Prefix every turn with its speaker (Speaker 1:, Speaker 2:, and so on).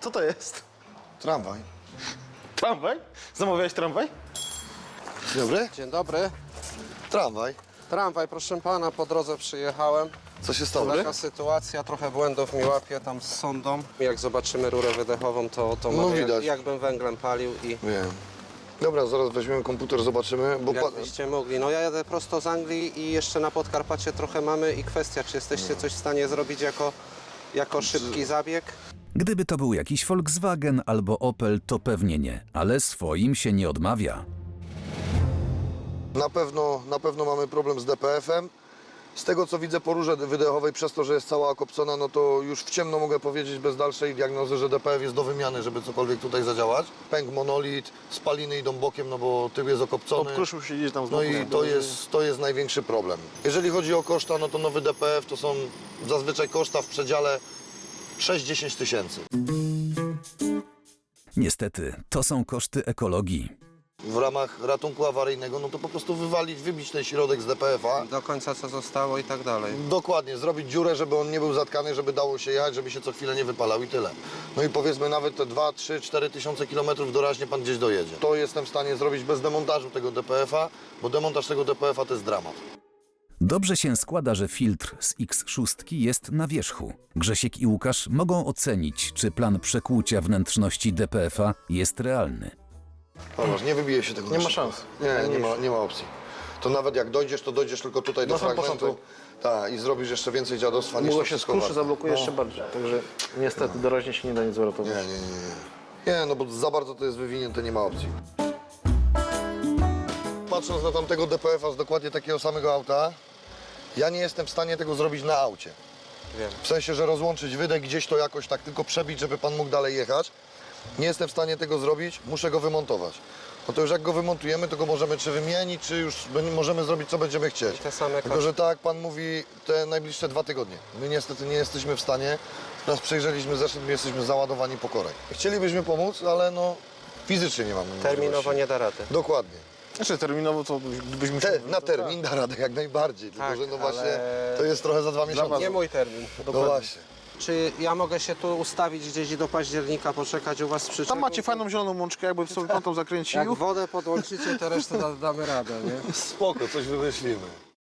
Speaker 1: Co to jest?
Speaker 2: Tramwaj.
Speaker 1: Tramwaj? Zamawiałeś tramwaj?
Speaker 2: Dzień dobry.
Speaker 3: Dzień dobry.
Speaker 2: Tramwaj.
Speaker 3: Tramwaj, proszę pana, po drodze przyjechałem.
Speaker 2: Co się stało?
Speaker 3: Taka sytuacja, trochę błędów mi łapie tam z sondą. Jak zobaczymy rurę wydechową, to
Speaker 2: No
Speaker 3: mówię,
Speaker 2: widać.
Speaker 3: jakbym węglem palił i
Speaker 2: Wiem. Dobra, zaraz weźmiemy komputer, zobaczymy, bo
Speaker 3: jakbyście mogli. No ja jadę prosto z Anglii i jeszcze na Podkarpacie trochę mamy i kwestia, czy jesteście coś w stanie zrobić jako szybki zabieg?
Speaker 4: Gdyby to był jakiś Volkswagen albo Opel, to pewnie nie, ale swoim się nie odmawia.
Speaker 2: na pewno mamy problem z DPF-em. Z tego co widzę po rurze wydechowej, przez to, że jest cała okopcona, no to już w ciemno mogę powiedzieć bez dalszej diagnozy, że DPF jest do wymiany, żeby cokolwiek tutaj zadziałać. Pęk monolit, spaliny idą bokiem, no bo tył jest okopcony.
Speaker 1: Obkruszył się gdzieś tam z
Speaker 2: No
Speaker 1: boku.
Speaker 2: i to jest największy problem. Jeżeli chodzi o koszta, no to nowy DPF to są zazwyczaj koszta w przedziale 6-10 tysięcy.
Speaker 4: Niestety, to są koszty ekologii.
Speaker 2: W ramach ratunku awaryjnego, no to po prostu wywalić, wybić ten środek z DPF-a.
Speaker 3: Do końca co zostało i tak dalej.
Speaker 2: Dokładnie, zrobić dziurę, żeby on nie był zatkany, żeby dało się jechać, żeby się co chwilę nie wypalał i tyle. No i powiedzmy nawet te 2, 3, 4 tysiące kilometrów doraźnie pan gdzieś dojedzie. To jestem w stanie zrobić bez demontażu tego DPF-a, bo demontaż tego DPF-a to jest dramat.
Speaker 4: Dobrze się składa, że filtr z X6 jest na wierzchu. Grzesiek i Łukasz mogą ocenić, czy plan przekłucia wnętrzności DPF-a jest realny.
Speaker 2: Zobacz, nie wybije się tego.
Speaker 1: Nie ma
Speaker 2: na
Speaker 1: szans.
Speaker 2: szybko. Nie ma opcji. To nawet jak dojdziesz, to dojdziesz tylko tutaj do
Speaker 1: Na sam
Speaker 2: fragmentu.
Speaker 1: początek.
Speaker 2: Tak, i zrobisz jeszcze więcej dziadostwa niż
Speaker 1: Długo
Speaker 2: to
Speaker 1: się
Speaker 2: wszystko
Speaker 1: skruszy,
Speaker 2: warte.
Speaker 1: zablokuje
Speaker 2: No.
Speaker 1: jeszcze bardziej. Także niestety doraźnie się nie da nic uratować.
Speaker 2: Nie, no bo za bardzo to jest wywinięte, nie ma opcji. Patrząc na tamtego DPF-a z dokładnie takiego samego auta, ja nie jestem w stanie tego zrobić na aucie.
Speaker 3: Wiem.
Speaker 2: W sensie, że rozłączyć wydech, gdzieś to jakoś tak tylko przebić, żeby pan mógł dalej jechać. Nie jestem w stanie tego zrobić, muszę go wymontować. No to już jak go wymontujemy, to go możemy czy wymienić, czy już możemy zrobić, co będziemy chcieć.
Speaker 3: I te same
Speaker 2: Tylko, że tak jak pan mówi, te najbliższe 2 tygodnie. My niestety nie jesteśmy w stanie. Nas przejrzeliśmy zeszedł, my jesteśmy załadowani po korek. Chcielibyśmy pomóc, ale no fizycznie nie mamy
Speaker 3: Terminowo
Speaker 2: możliwości.
Speaker 3: nie da rady.
Speaker 2: Dokładnie.
Speaker 1: Jeszcze terminowo to gdybyś musiał...
Speaker 2: Na termin da radę jak najbardziej, tylko
Speaker 3: Tak,
Speaker 2: że no właśnie
Speaker 3: ale-
Speaker 2: to jest trochę za 2 miesiące.
Speaker 3: Nie mój termin.
Speaker 2: No właśnie.
Speaker 3: Czy ja mogę się tu ustawić gdzieś i do października poczekać u was z przyczepą?
Speaker 1: Tam macie fajną zieloną łączkę, jakby sobie pan tą zakręcił.
Speaker 3: Jak wodę podłączycie, to resztę damy radę, nie?
Speaker 2: Spoko, coś wymyślimy.